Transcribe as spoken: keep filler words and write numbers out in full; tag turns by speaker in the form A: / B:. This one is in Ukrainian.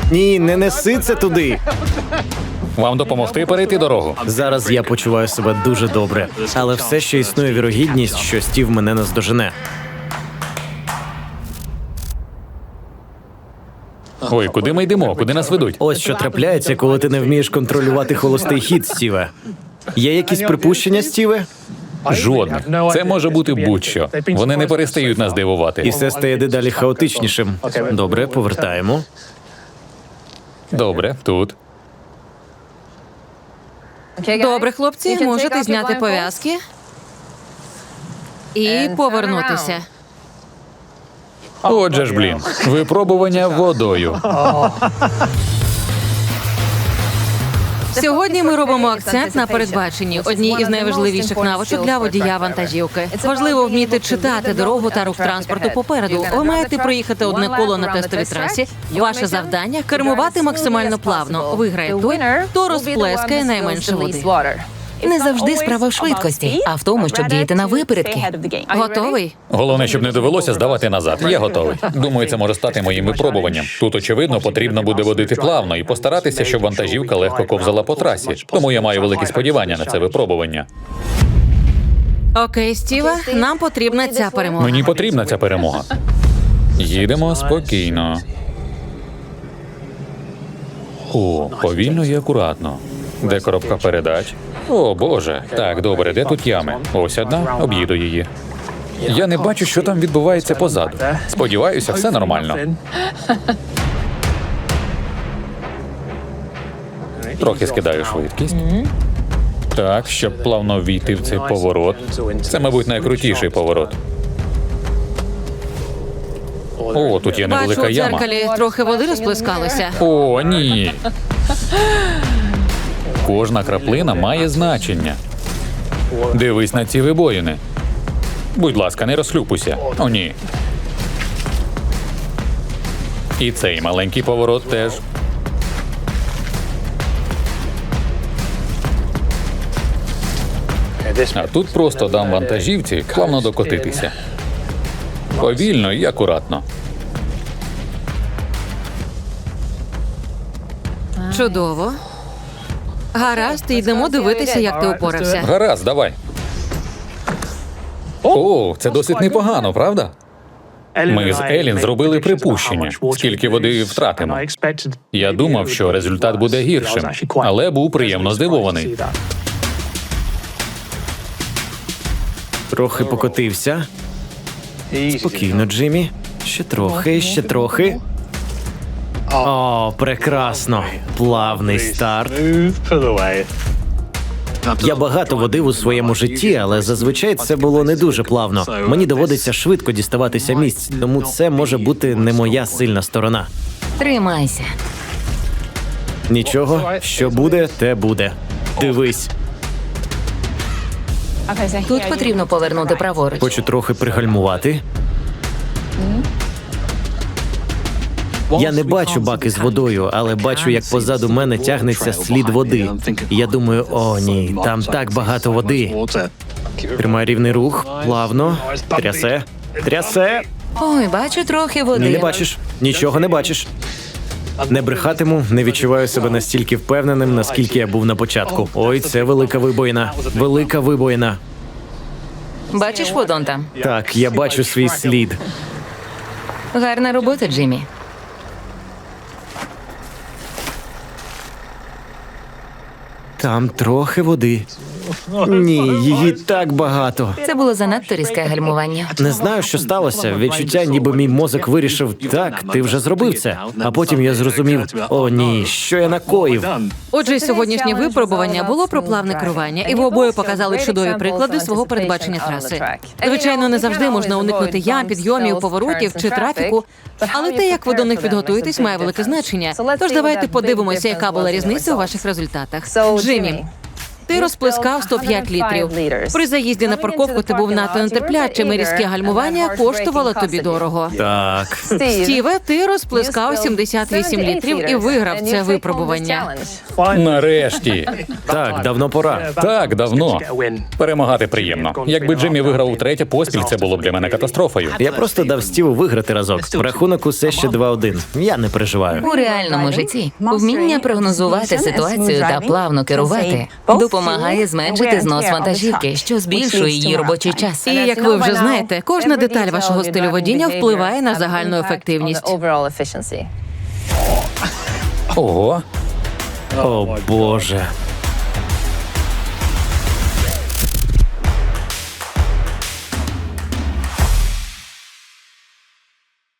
A: Ні, не неси це туди.
B: Вам допомогти перейти дорогу?
A: Зараз я почуваю себе дуже добре, але все ще існує вірогідність, що Стів мене наздожене.
B: Ой, куди ми йдемо? Куди нас ведуть?
A: Ось що трапляється, коли ти не вмієш контролювати холостий хід, Стіве. Є якісь припущення, Стіве?
B: Жодних. Це може бути будь-що. Вони не перестають нас
A: І
B: дивувати.
A: все стає дедалі хаотичнішим. Добре, повертаємо.
B: Добре, тут.
C: Добре, хлопці, можете зняти пов'язки і повернутися.
B: Отже ж, блін, випробування водою.
C: Сьогодні ми робимо акцент на передбаченні, одній із найважливіших навичок для водія вантажівки. Важливо вміти читати дорогу та рух транспорту попереду. Ви маєте проїхати одне коло на тестовій трасі. Ваше завдання – кермувати максимально плавно. Виграє той, хто розплескає найменше води.
D: Не завжди справа в швидкості, а в тому, щоб діяти на випередки.
C: Готовий?
B: Головне, щоб не довелося здавати назад. Я готовий. Думаю, це може стати моїм випробуванням. Тут, очевидно, потрібно буде водити плавно і постаратися, щоб вантажівка легко ковзала по трасі. Тому я маю великі сподівання на це випробування.
C: Окей, Стіве, нам потрібна ця перемога.
B: Мені потрібна ця перемога. Їдемо спокійно. О, повільно і акуратно. Де коробка передач? О, Боже. Так, добре, де тут ями? Ось одна, об'їду її. Я не бачу, що там відбувається позаду. Сподіваюся, все нормально. Трохи скидаю швидкість. Так, щоб плавно війти в цей поворот. Це, мабуть, найкрутіший поворот. О, тут є
C: Бачу,
B: невелика
C: у
B: яма.
C: дзеркалі трохи води розплескалося.
B: О, ні. Кожна краплина має значення. Дивись на ці вибоїни. Будь ласка, не розхлюпуйся. О, ні. І цей маленький поворот теж. А тут просто дам вантажівці плавно докотитися. Повільно і акуратно.
C: Чудово. Гаразд, йдемо дивитися, як ти упорався.
B: Гаразд, давай. О, це досить непогано, правда? Ми з Елін зробили припущення, скільки води втратимо. Я думав, що результат буде гіршим, але був приємно здивований.
A: Трохи покотився. Спокійно, Джиммі. Ще трохи, ще трохи. О, прекрасно. Плавний старт. Я багато водив у своєму житті, але зазвичай це було не дуже плавно. Мені доводиться швидко діставатися місць, тому це може бути не моя сильна сторона.
D: Тримайся.
A: Нічого, що буде, те буде. Дивись.
D: Тут потрібно повернути праворуч.
A: Хочу трохи пригальмувати. Я не бачу баки з водою, але бачу, як позаду мене тягнеться слід води. І я думаю, о ні, там так багато води. Тримай рівний рух, плавно, трясе, трясе.
D: Ой, бачу трохи
A: Ні,
D: води.
A: не бачиш, нічого не бачиш. Не брехатиму, не відчуваю себе настільки впевненим, наскільки я був на початку. Ой, це велика вибоїна, велика вибоїна.
D: Бачиш водон там?
A: Так, я бачу свій слід.
D: Гарна робота, Джиммі.
A: Там трохи води. Ні, її так багато.
D: Це було занадто різке гальмування.
A: Не знаю, що сталося. Відчуття, ніби мій мозок вирішив, так, ти вже зробив це. А потім я зрозумів, о ні, що я накоїв.
C: Отже, сьогоднішнє випробування було про плавне керування, і ви обоє показали чудові приклади свого передбачення траси. Звичайно, не завжди можна уникнути ям, підйомів, поворотів чи трафіку, але те, як ви до них підготуєтесь, має велике значення. Тож давайте подивимося, яка була різниця у ваших результатах. Джиммі, Ти розплескав сто п'ять літрів. При заїзді на парковку ти був надто нетерплячим, і різке гальмування коштувало тобі дорого.
A: Так.
C: Стіве, ти розплескав сімдесят вісім літрів і виграв це випробування.
B: Нарешті.
A: Так, давно пора.
B: Так, давно. Перемагати приємно. Якби Джиммі виграв утретє поспіль, це було б для мене катастрофою.
A: Я просто дав Стіву виграти разок. Рахунок усе ще два один. Я не переживаю.
D: У реальному житті вміння прогнозувати ситуацію та плавно керувати допомагає зменшити знос вантажівки, що збільшує її робочий час.
C: І як ви вже знаєте, кожна деталь вашого стилю водіння впливає на загальну ефективність.
B: Ого.
A: О, Боже.